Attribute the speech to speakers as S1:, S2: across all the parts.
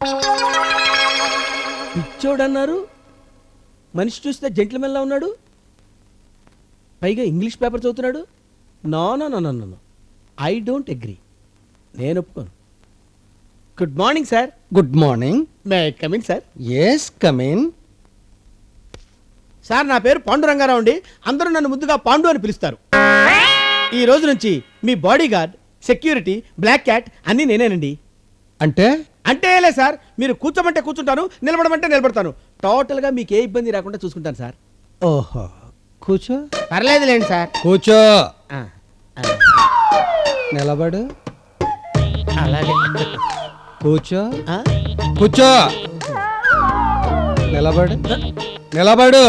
S1: పిచ్చోడన్నారు, మనిషి చూస్తే జెంట్లమెన్లా ఉన్నాడు, పైగా ఇంగ్లీష్ పేపర్ చదువుతున్నాడు. No no no no no, I don't agree. నేను ఒప్పుకోను. Good morning sir.
S2: Good morning.
S1: May I come in sir?
S2: Yes come in.
S1: Sir నా పేరు పాండురంగారావు అండి. అందరూ నన్ను ముద్దుగా పాండు అని పిలుస్తారు. ఈ రోజు నుంచి మీ bodyguard, security, black cat అన్నీ నేనేనండి.
S2: అంటే
S1: అంటే లే సార్, మీరు కూర్చోమంటే కూర్చుంటాను, నిలబడమంటే నిలబడతాను. టోటల్గా మీకు ఏ ఇబ్బంది రాకుండా చూసుకుంటాను సార్.
S2: ఓహో, కూర్చో.
S1: పర్లేదులేండి సార్.
S2: కూర్చో.
S1: ఆ,
S2: నిలబడు.
S1: అలాగే.
S2: కూర్చో.
S1: ఆ?
S2: కూర్చో. నిలబడు. నిలబడు.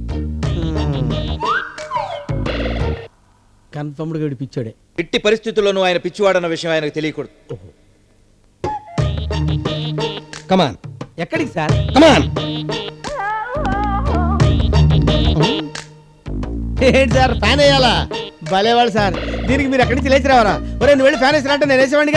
S1: కన్ఫర్మ్డ్గా వీడు పిచ్చాడే.
S3: ఎట్టి పరిస్థితుల్లోనూ ఆయన పిచ్చివాడన్న విషయం ఆయనకు తెలియకూడదు.
S2: కమాన్.
S1: ఎక్కడికి సార్?
S2: కమాన్.
S1: ఏంటి సార్ ఫ్యాన్ వేయాలా? భలేవాడు సార్. దీనికి మీరు ఎక్కడి నుంచి లేచి రావారా? ఒరే నువ్వు వెళ్ళి ఫ్యాన్ వేసిరా అంటే నేను వేసేవాడిగా.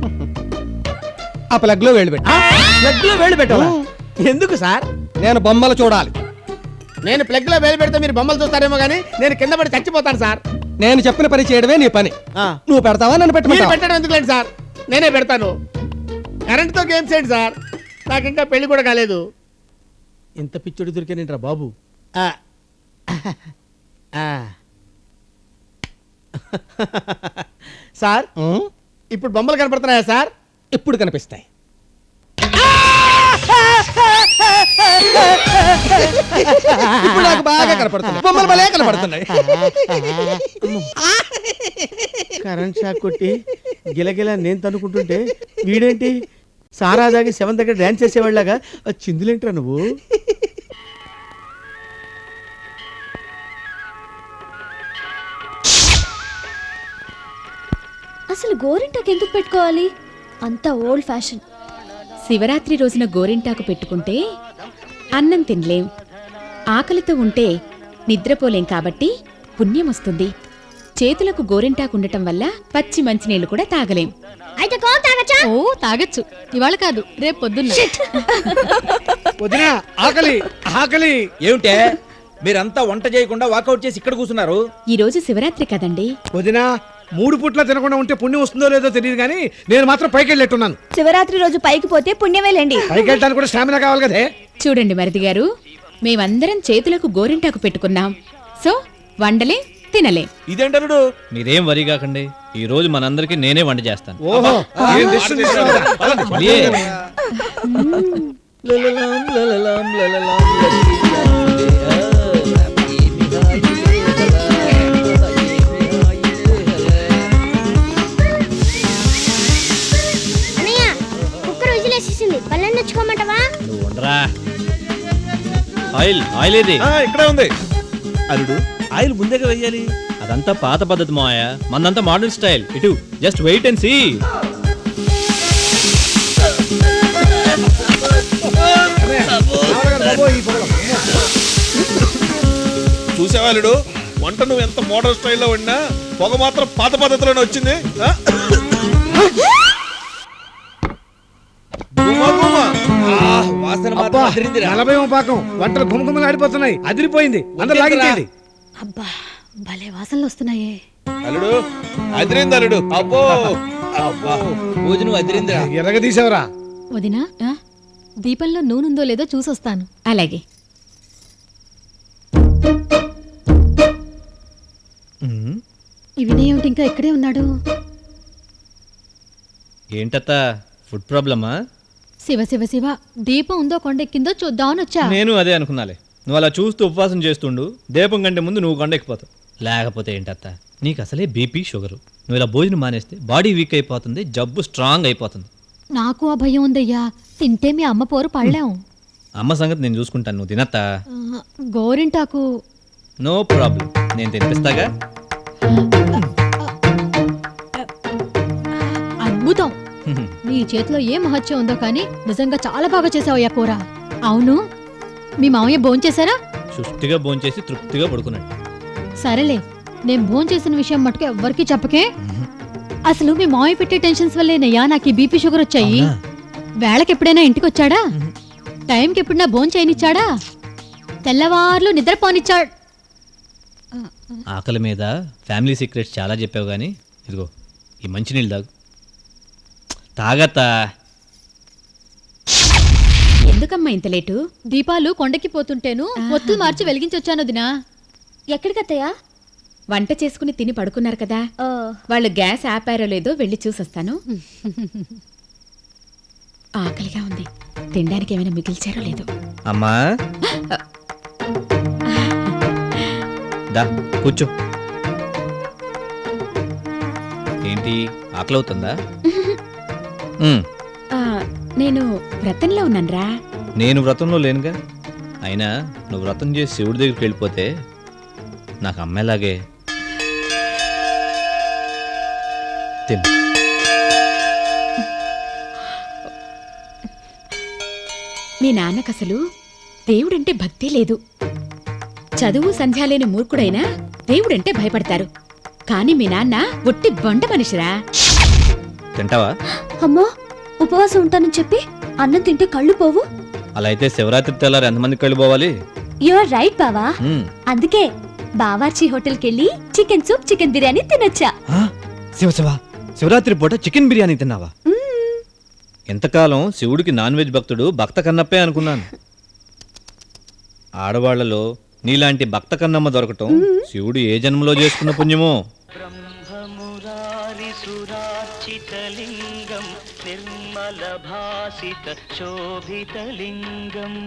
S2: ఆ ప్లగ్ లో వేళ్ళు పెట్టు.
S1: ప్లగ్ లో వేలు పెట్టాలా? ఎందుకు సార్?
S2: నేను బొమ్మలు చూడాలి.
S1: నేను ప్లగ్ లో వేలు పెడితే మీరు బొమ్మలు చూస్తారేమో కానీ నేను కింద పడి చచ్చిపోతాను సార్.
S2: నేను చెప్పిన పని చేయడమే నీ పని. నువ్వు పెడతావా నన్ను
S1: మీరు
S2: పెట్టమంటావా?
S1: పెట్టడం ఎందుకులేండి సార్, నేనే పెడతాను. కరెంట్తో గేమ్స్ ఏంటి సార్? నాకు ఇంకా పెళ్లి కూడా కాలేదు. ఇంత పిచ్చుడు దొరికానేంట్రా బాబు. సార్ ఇప్పుడు బొమ్మలు కనపడుతున్నాయా సార్?
S2: ఎప్పుడు కనిపిస్తాయి? ఇప్పుడు నాకు బాగా కనపడుతున్నాయి. బొమ్మలు భలే కనపడుతున్నాయి.
S1: కరెంట్ షాక్ కొట్టి గిలగిల నేను తనుకుంటుంటే వీడేంటి సారా దాగి సెవెన్ దగ్గర డాన్స్ చేసేవాళ్ళగా చిందులేంట్రా నువ్వు?
S4: అసలు గోరింటాకు ఎందుకు పెట్టుకోవాలి? అంత ఓల్డ్ ఫ్యాషన్.
S5: శివరాత్రి రోజున గోరింటాకు పెట్టుకుంటే అన్నం తినలేం, ఆకలితో ఉంటే నిద్రపోలేం, కాబట్టి పుణ్యం వస్తుంది. చేతులకు గోరింటాకు ఉండటం వల్ల పచ్చి మంచినీళ్లు కూడా తాగలేం.
S4: అయితే కోన్ తాగచ్చా?
S5: ఓ తాగొచ్చు, ఇవాళ కాదు రేపు పొద్దున్న.
S1: వదినా ఆకలి ఆకలి.
S3: ఏమిటే మీరంతా వంట చేయకుండా వాకౌట్ చేసి ఇక్కడ కూర్చున్నారు?
S5: ఈ రోజు శివరాత్రి కదండి.
S1: వదినా 3 పూట్ల తినకుండా ఉంటే పుణ్యం వస్తుందో లేదో తెలియదు కానీ నేను మాత్రం పైకి వెళ్ళేట్టున్నాను.
S4: శివరాత్రి రోజు పైకి పోతే పుణ్యమేలేండి.
S1: పైకి వెళ్ళడానికి కూడా స్టామినా కావాలి కదే.
S5: చూడండి మరిది గారు, మేమందరం చేతులకు గోరింటాకు పెట్టుకున్నాం. సో వండలే తినలే.
S6: ఇదేంటరుడు? మీరేం వరి కాకండి, ఈ రోజు మనందరికి నేనే వంట చేస్తాను.
S1: ఓహో
S6: నువ్వు ఉండరా. ఆయిల్ ఆయిల్ ఏది?
S3: ఇక్కడే ఉంది.
S6: అల్లుడు ఆయిల్ ముందేగా వెయ్యాలి. అదంతా పాత పద్ధతి మాయ, మందంతా మోడర్న్ స్టైల్. ఇటు జస్ట్ వెయిట్ అండ్ సీ.
S3: చూసేవాళ్ళుడు వంట నువ్వు ఎంత మోడర్న్ స్టైల్లో వండినా పొగ మాత్రం పాత పద్ధతిలోనే వచ్చింది. వాసన మాత్రం అదిరిందిరా.
S1: 40వ పాకం వంటలు గుమగుమలు ఆడిపోతున్నాయి. అదిరిపోయింది. అందరూ లాగించేది.
S4: అబ్బా భలే వాసనలు వస్తున్నాయే.
S3: అల్లుడు అదిరింది అల్లుడు. అబ్బో అబ్బా భోజనం అదిరిందిరా.
S1: ఎర్రగా తీసావరా?
S5: వదినా, దీపంలో నూనెందో లేదో చూసొస్తాను. అలాగే.
S4: ఈ వినయేమిటి ఇంకా ఇక్కడే ఉన్నాడు?
S6: ఏంటత్త ఫుడ్ ప్రాబ్లమా?
S4: శివ శివ శివ, దీపం ఉందో కొండెక్కిందో చూద్దామని వచ్చా.
S6: నేను అదే అనుకున్నాలే. నువ్వు అలా చూస్తూ ఉపవాసం చేస్తుండు, దీపం కంటే ముందు నువ్వు కొండెక్కిపోతావు. లేకపోతే ఏంటత్త, నీకు అసలే బీపీ షుగరు. నువ్వు ఇలా భోజనం మానేస్తే బాడీ వీక్ అయిపోతుంది, జబ్బు స్ట్రాంగ్ అయిపోతుంది.
S4: నాకు ఆ భయం ఉందయ్యా. తింటే మీ అమ్మ పోరు పడలేం.
S6: అమ్మ సంగతి నేను చూసుకుంటాను, నువ్వు తినత్తా.
S4: గోరింటాకు
S6: నో ప్రాబ్లం, నేను తినిపిస్తాగా.
S4: అద్భుతం. నీ చేతిలో ఏ మహత్యం ఉందో కానీ నిజంగా చాలా బాగా చేసావయ్యా కూర. అవును, మీ మామయ్య భోంచేశారా?
S6: సుష్టిగా భోంచేసి తృప్తిగా పడుకున్నాడు.
S4: సరేలే, నేను భోంచేసిన విషయం మటుకు ఎవ్వరికీ చెప్పకే. అసలు మీ మామయ్య పెట్టే టెన్షన్స్ వల్లేనయ్యా నాకు ఈ బీపీ షుగర్ వచ్చాయి.
S6: అవునా?
S4: వేళకి ఎప్పుడైనా ఇంటికి వచ్చాడా? టైంకి ఎప్పుడైనా భోజనం చేయనిచ్చాడా? తెల్లవార్లు నిద్రపోనిచ్చాడు.
S6: ఆకలి మీద ఫ్యామిలీ సీక్రెట్స్ చాలా చెప్పావు కానీ ఇదిగో ఈ మంచినీళ్ళు తాగు. తాగత్తా.
S5: ఎందుకమ్మా ఇంత లేటు?
S4: దీపాలు కొండకి పోతుంటేను ఒత్తులు మార్చి వెలిగించొచ్చాను దినా.
S7: ఎక్కడికత్తయ్యా?
S5: వంట చేసుకుని తిని పడుకున్నారు కదా, వాళ్ళు గ్యాస్ ఆపారో లేదో వెళ్ళి చూసొస్తాను. ఆకలిగా ఉంది, తినడానికి ఏమైనా మిగిల్చారో లేదో.
S6: అమ్మా దా కూర్చో. ఏంటి ఆకలి అవుతుందా?
S5: ఆ, నేను వ్రతంలో ఉన్నానురా.
S6: నేను వ్రతంలో లేనుగా. అయినా నువ్వు వ్రతం చేసి శివుడి దగ్గరికి వెళ్ళిపోతే నాకు అమ్మేలాగే. తిను.
S5: మీ నాన్నకసలు దేవుడంటే భక్తి లేదు. చదువు సంధ్య లేని మూర్ఖుడైనా దేవుడంటే భయపడతారు. కాని మీ నాన్న ఒట్టి బండ మనిషిరా.
S6: తింటావా?
S7: అమ్మో, ఉపవాసం ఉంటానని చెప్పి అన్నం తింటే కళ్ళు పోవు.
S6: అలా అయితే శివరాత్రి తెల్లారు ఎంతమందికి వెళ్ళిపోవాలి?
S7: యు ఆర్ రైట్ బావా. అందుకే బావార్చి హోటల్కి వెళ్ళి చికెన్ సూప్, చికెన్ బిర్యానీ తినొచ్చా.
S6: శివరాత్రి పూట చికెన్ బిర్యానీ తిన్నావా? ఎంతకాలం శివుడికి నాన్ వెజ్ భక్తుడు భక్త కన్నప్పే అనుకున్నాను. ఆడవాళ్లలో నీలాంటి భక్త కన్నమ్మ దొరకటం శివుడు ఏ జన్మలో చేసుకున్న పుణ్యమో.
S8: బ్రహ్మమురారిసురార్చితలింగం నిర్మల భాసిత శోభితలింగం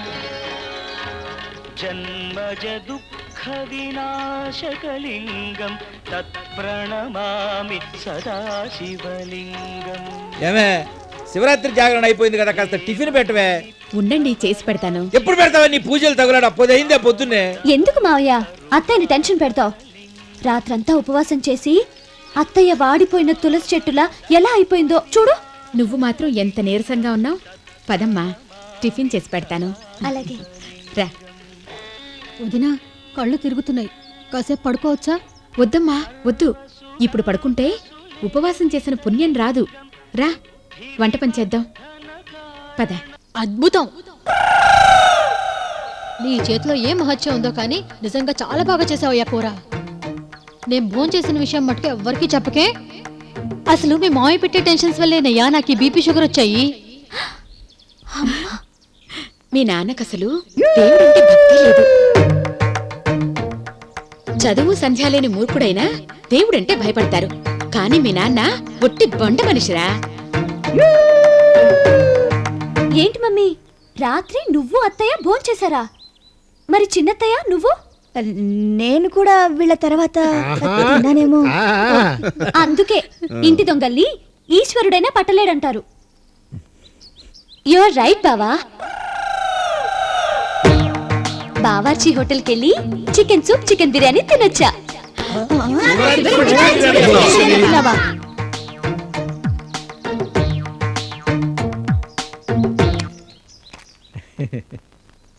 S8: జన్మజ దుఃఖ వినాశకలింగం తత్ప్రణమామి సదాశివలింగం.
S2: ఏమే, శివరాత్రి జాగరణ అయిపోయింది కదా, కాస్త టిఫిన్ పెట్టవే.
S5: ఉండండి, చేసి పెడతాను.
S2: ఎప్పుడు పెడతావా నీ పూజలు తగులాడు? అయిందే పొద్దున్నే.
S7: ఎందుకు మావయ్య అత్తయ్యని టెన్షన్ పెడతావు? రాత్రంతా ఉపవాసం చేసి అత్తయ్య వాడిపోయిన తులసి చెట్టులా ఎలా అయిపోయిందో చూడు.
S5: నువ్వు మాత్రం ఎంత నీరసంగా ఉన్నావు. పదమ్మా, టిఫిన్ చేసి పెడతాను.
S7: అలాగే
S5: రా.
S4: వదినా, కళ్ళు తిరుగుతున్నాయి, కాసేపు పడుకోవచ్చా?
S5: వద్దమ్మా వద్దు, ఇప్పుడు పడుకుంటే ఉపవాసం చేసిన పుణ్యం రాదు. రా, వంట పని చేద్దాం. పద.
S4: అద్భుతం! నీ చేతిలో ఏ మహత్యం ఉందో కానీ నిజంగా చాలా బాగా చేసావయ్యా కూర. నేను భోజనం చేసిన విషయం మటుకు ఎవ్వరికీ చెప్పకే. అసలు మీ మామయ్య పెట్టే టెన్షన్స్ వల్లేనయ్యా నాకు ఈ బీపీ షుగర్ వచ్చాయి.
S5: మీ నాన్నకసలు దేవుడంటే భక్తి లేదు. చదువు సంధ్య లేని మూర్ఖుడైనా దేవుడంటే భయపడతారు. కాని మీ నాన్న ఒట్టి బండ మనిషిరా.
S7: ఏంటి మమ్మీ, రాత్రి నువ్వు అత్తయ్య భోంచేశారా? మరి చిన్నత్తయ్య నువ్వు? నేను కూడా వీళ్ళ తర్వాత తిన్నానేమో. అందుకే ఇంటి దొంగల్ని ఈశ్వరుడైనా పట్టలేడంటారు. యు ఆర్ రైట్ బావా. బావార్చి హోటల్కి వెళ్ళి చికెన్ సూప్, చికెన్ బిర్యానీ తినొచ్చా.